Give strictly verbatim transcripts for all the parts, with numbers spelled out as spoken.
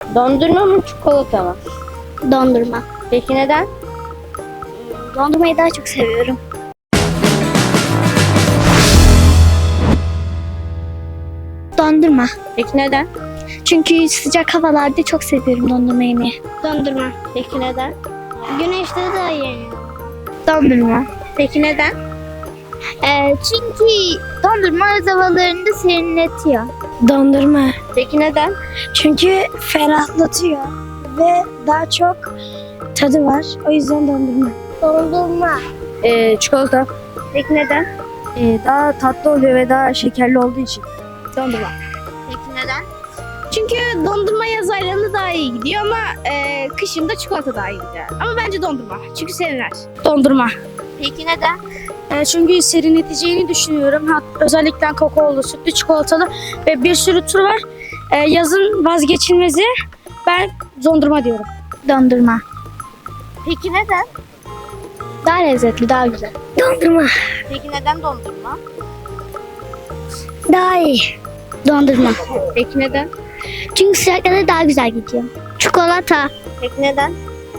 Dondurma mı çikolata mı? Dondurma. Peki neden? Dondurmayı daha çok seviyorum. Dondurma. Peki neden? Çünkü sıcak havalarda çok seviyorum dondurma yemeği. Dondurma. Peki neden? Güneşte daha iyi. Dondurma. Peki neden? Ee, çünkü dondurma öz havalarında serinletiyor. Dondurma. Peki neden? Çünkü ferahlatıyor ve daha çok tadı var. O yüzden dondurma. Dondurma. Ee, çikolata. Peki neden? Ee, daha tatlı oluyor ve daha şekerli olduğu için. Dondurma. Peki neden? Çünkü dondurma yaz aylarında daha iyi gidiyor ama e, kışın da çikolata daha iyi gider. Ama bence dondurma. Çünkü serinler. Dondurma. Peki neden? E, çünkü serinleteceğini düşünüyorum. Hat, özellikle kakaolu, sütlü, çikolatalı ve bir sürü tür var. E, yazın vazgeçilmezi. Ben dondurma diyorum. Dondurma. Peki neden? Daha lezzetli, daha güzel. Dondurma. Peki neden dondurma? Daha iyi. Dondurma. Peki neden? Çünkü sıcaklarda daha güzel gidiyor. Çikolata. Peki neden?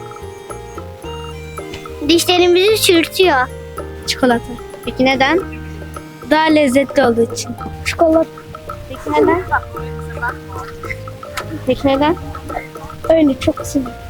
Dişlerimizi çürütüyor. Çikolata. Peki neden? Daha lezzetli olduğu için. Çikolata. Peki neden? Peki neden? Öyle çok seviyorum.